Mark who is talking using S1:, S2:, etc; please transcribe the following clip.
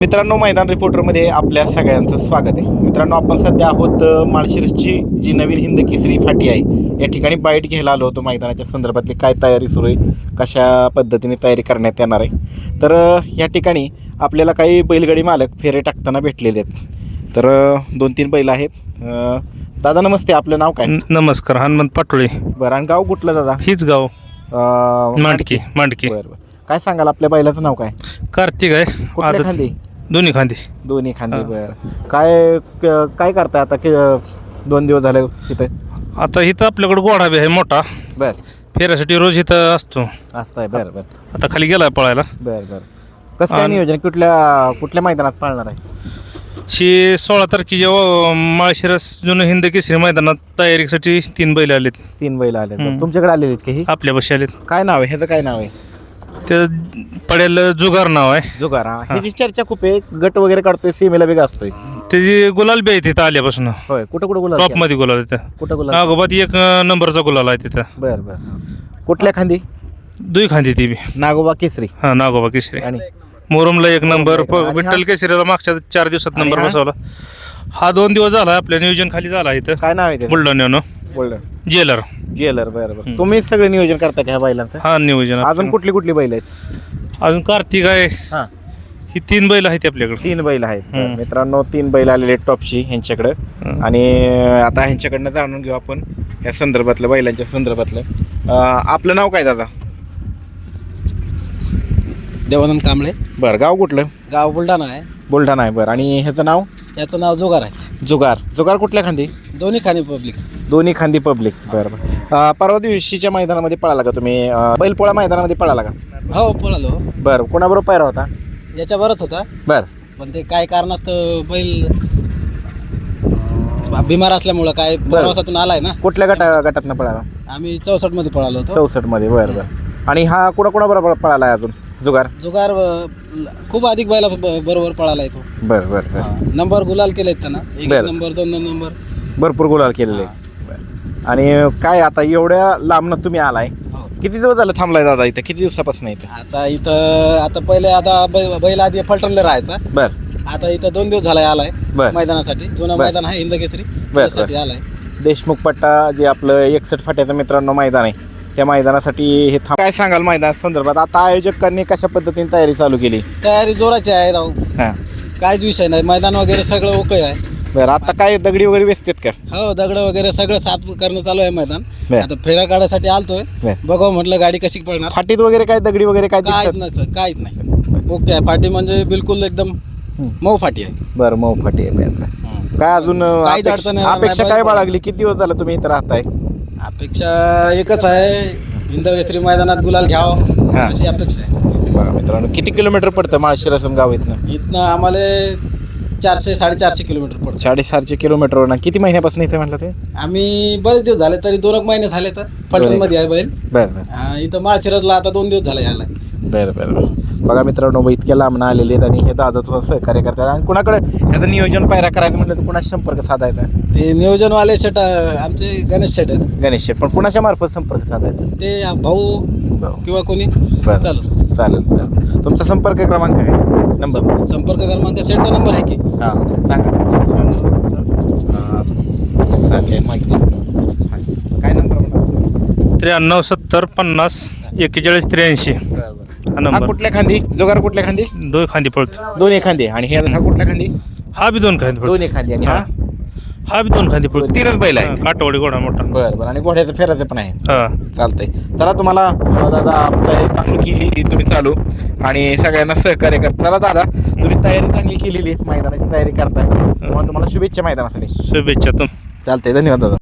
S1: मित्रांनो, मैदान रिपोर्टरमध्ये आपल्या सगळ्यांचं स्वागत आहे. मित्रांनो, आपण सध्या आहोत माळशिरसची जी नवीन हिंद केसरी फाटी आहे या ठिकाणी बाईट घ्यायला आलो होतो. मैदानाच्या संदर्भातली काय तयारी सुरू आहे, कशा पद्धतीने तयारी करण्यात येणार आहे. तर या ठिकाणी आपल्याला काही बैलगाडी मालक फेरे टाकताना भेटलेले आहेत. तर 2-3 बैल आहेत. दादा नमस्ते, आपलं नाव काय?
S2: नमस्कार, हनुमंत पाटोळे.
S1: बरं, आणि गाव कुठलं दादा?
S2: हीच गाव मांडकी.
S1: बरं बरं, काय सांगाल आपल्या बैलाचं नाव काय?
S2: कार्तिक आहे.
S1: कुठल्या खांदी?
S2: दोन्ही खांदी.
S1: दोन्ही खांदी. बरं, काय करताय आता? 2 दिवस झाले इथं?
S2: आता इथं आपल्याकडे गोडा बी आहे मोठा.
S1: बरं,
S2: फेऱ्यासाठी रोज इथं असतो.
S1: असतं आहे. बरं बरं
S2: आता खाली गेला पळायला.
S1: बरं बरं, कसं काय नियोजन? कुठल्या मैदानात पाळणार आहे?
S2: 16 तारखेच्या माळशिरस जुनं हिंद केसरी मैदानात तयारीसाठी 3 बैल आलेत.
S1: 3 बैल आले. तुमच्याकडे आलेले आहेत की?
S2: आपल्या बशी आलेत.
S1: काय नाव आहे ह्याचं? काय नाव आहे?
S2: ते पडेल जुगार नाव आहे.
S1: जुगार. ह्याची चर्चा खूप आहे, गट वगैरे काढतोय, सीमेला वेगळा असतोय.
S2: त्याची गुलाल बी आहे तिथं आल्यापासून.
S1: होय, कुठं गुलाल?
S2: टॉप मध्ये गुलाल आहे तिथं.
S1: कुठं गुलाल?
S2: नागोबात 1 नंबरचा गुलाल आहे तिथं.
S1: बरं बरं, कुठल्या खांदी?
S2: 2 खांदी ती बी.
S1: नागोबा केसरी.
S2: हां, नागोबा केसरी.
S1: आणि
S2: मोरमला 1 नंबर.
S1: आणि
S2: विठ्ठल केसरीला मागच्या 4 दिवसात
S1: आणि
S2: नंबर बसवला. हा 2 दिवस झाला आपल्या नियोजन खाली झाला इथं.
S1: काय नाव आहे त्याचं?
S2: बुलढाण्यानं जेलर.
S1: जेलर. बरं बरं, तुम्हीच सगळं नियोजन करता का ह्या बैलांचं?
S2: हा, नियोजन.
S1: अजून कुठली बैल आहेत?
S2: अजून कार्तिक आहे.
S1: हां,
S2: ही 3 बैल आहेत आपल्याकडे.
S1: 3 बैल आहेत. बरं, मित्रांनो, 3 बैल आलेले आहेत टॉपची ह्यांच्याकडं. आणि आता ह्यांच्याकडनं जाणून घेऊ आपण या संदर्भातलं, बैलांच्या संदर्भातलं. आपलं नाव काय दादा?
S3: देवानंद कांबळे.
S1: बरं, गाव कुठलं?
S3: गाव बुलढाणा आहे.
S1: बुलढाणा आहे. बरं, आणि ह्याचं नाव?
S3: याचं नाव जुगार आहे.
S1: जुगार कुठल्या खांदी?
S3: दोन्ही खाणी पब्लिक.
S1: दोन्ही खांदी पब्लिक. बरं बरं, परवा दिवशीच्या मैदानामध्ये पळाला का तुम्ही? बैलपोळा मैदानामध्ये पळाला का?
S3: हो, पळालो.
S1: बरं, कोणाबरोबर पायरा होता?
S3: याच्यावरच होता,
S1: बरं
S3: पण ते काय कारणास्तव बैल बिमार असल्यामुळं काय प्रवासातून आलाय ना.
S1: कुठल्या गटातनं पळाला?
S3: आम्ही 64 मध्ये पळालो होतो.
S1: 64 मध्ये. बरं बरं, आणि हा कोणाबरोबर पळाला आहे अजून जुगार?
S3: जुगार खूप अधिक बैला बरोबर पळाला तो.
S1: बरं बरं बरं,
S3: नंबर गुलाल केलेत त्यांना. 1
S1: बरं.
S3: नंबर, 2 नंबर,
S1: भरपूर गुलाल केलेले आहेत. बरं, आणि काय आता एवढ्या लांबनं तुम्ही आलाय,
S3: हो.
S1: किती दिवस झालं थांबलाय दादा इथं? किती दिवसापासून इथं?
S3: आता पहिले बैल आधी फलटणला राहायचा.
S1: बरं,
S3: आता इथं 2 दिवस झालाय आलाय
S1: बरं.
S3: मैदानासाठी. जुनं
S1: बरं.
S3: मैदान आहे हिंद केसरी,
S1: बरं.
S3: त्यासाठी आलाय.
S1: देशमुख पट्टा जे आपलं 61 फाट्याचं मित्रांनो मैदान आहे, त्या मैदानासाठी हे काय सांगाल मैदाना संदर्भात? आता आयोजकांनी कशा पद्धतीने तयारी चालू केली?
S3: तयारी जोराची आहे राव,
S1: हां,
S3: काहीच विषय नाही. मैदान वगैरे सगळं ओके आहे.
S1: बरं, आता काय दगडी वगैरे वेचतात का?
S3: हो, दगड वगैरे सगळं साफ करणं चालू आहे मैदान.
S1: बरं.
S3: आता फेरा काढायसाठी आलतोय,
S1: बरं.
S3: बघावं म्हटलं गाडी कशी पळणार.
S1: फाटीत वगैरे काय दगडी वगैरे काय
S3: काहीच
S1: दिसतात?
S3: नाही सर, काहीच नाही. ओके आहे फाटी, म्हणजे बिलकुल एकदम मऊ फाटी आहे.
S1: बरं, मऊ फाटी आहे. बरं. काय अजून
S3: काहीच अडचण येणार
S1: अपेक्षा
S3: नाही.
S1: काय बाळगली? किती दिवस झालं तुम्ही इथं राहताय?
S3: अपेक्षा एकच आहे, हिंद केसरी मैदानात गुलाल घ्यावं
S1: हां.
S3: अशी अपेक्षा आहे.
S1: बरं मित्रांनो, किती किलोमीटर पडतं माळशिरसम गाव इथनं?
S3: इथनं आम्हाला 400-450 किलोमीटर पडतं.
S1: 450 किलोमीटरवर ना. किती महिन्यापासून इथे म्हटलं ते?
S3: आम्ही बरेच दिवस झाले, तरी 2 महिने झाले. तर फलटणमध्ये आहे बैल.
S1: बरं बरं
S3: इथं माळशिरसला आता 2 दिवस झाले यायला.
S1: बरं बरं बरं, बघा मित्रांनो, इतक्या लांबनं आलेले आहेत आणि हे दादा सहकार्य करतात. आणि कुणाकडे ह्याचं नियोजन पायरा करायचं म्हटलं तर कुणाशी संपर्क साधायचा?
S3: ते नियोजनवाले शेट आमचे गणेश शेट आहेत.
S1: गणेश शेट. पण कुणाच्या मार्फत संपर्क साधायचा?
S3: ते भाऊ किंवा कोणी
S1: बरं,
S3: चालू.
S1: चालेल. तुमचा संपर्क क्रमांक काय? नंबर?
S3: संपर्क क्रमांक शेटचा नंबर आहे की?
S1: हां, सांगा. काय नंबर?
S2: 93 70 50 41 83. हा
S1: हा
S2: नंबर.
S1: कुठल्या खांदी? जुगार कुठल्या खांदी?
S2: 2 खांदी पळतो.
S1: दोन्ही खांदी. आणि हा कुठल्या खांदी?
S2: हा बी 2 खांदी पळतो.
S1: दोन्ही खांदी. आणि
S2: हा बी 2 खांदी पळतो.
S1: 3च बैल आहे.
S2: काटवाडी घोडा मोठा.
S1: बरं बरं, आणि घोड्याचं फेराचं पण आहे.
S2: हा.
S1: चालतंय. चला, तुम्हाला दादा तयारी चांगली केली तुम्ही चालू, आणि सगळ्यांना सहकार्य करता. चला दादा, तुम्ही तयारी चांगली केलेली, मैदानाची तयारी करताय. तुम्हाला शुभेच्छा मैदानासाठी.
S2: शुभेच्छा.
S1: चालतंय, धन्यवाद दादा.